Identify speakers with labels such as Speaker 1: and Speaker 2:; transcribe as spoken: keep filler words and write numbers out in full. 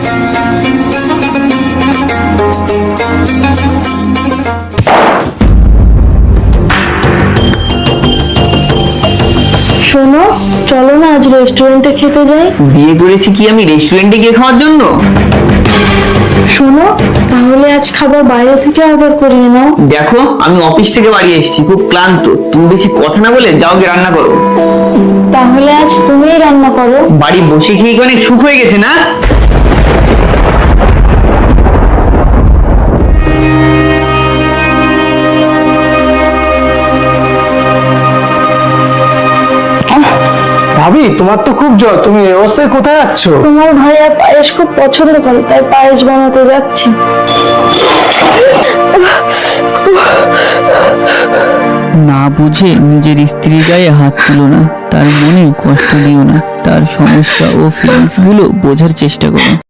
Speaker 1: শোনো, চলো না আজ রেস্টুরেন্টে খেতে যাই।
Speaker 2: বিয়ে করেছি কি আমি রেস্টুরেন্টে গিয়ে খাওয়ার জন্য?
Speaker 1: শোনো, তাহলে আজ খাবার বাইরে থেকে অর্ডার করিয়ে নাও।
Speaker 2: দেখো, আমি অফিস থেকে বাড়ি এসেছি, খুব ক্লান্ত। তুমি বেশি কথা না বলে যাও গিয়ে রান্না করো।
Speaker 1: তাহলে আজ তুমিই রান্না করো।
Speaker 2: বাড়ি বসে খেয়ে অনেক সুখ হয়ে গেছে না?
Speaker 3: ভাবি, তোমার তো খুব জ্বর, তুমি এই অবস্থায় কোথায় যাচ্ছ?
Speaker 1: তোমার ভাইয়া পায়েস খুব পছন্দ করে, তাই পায়েস বানাতে যাচ্ছি।
Speaker 4: না বুঝে নিজের স্ত্রীর গায়ে হাত তুলো না, তার মনে কষ্ট দিও না, তার সমস্যা ও ফিলিংস গুলো বোঝার চেষ্টা করো।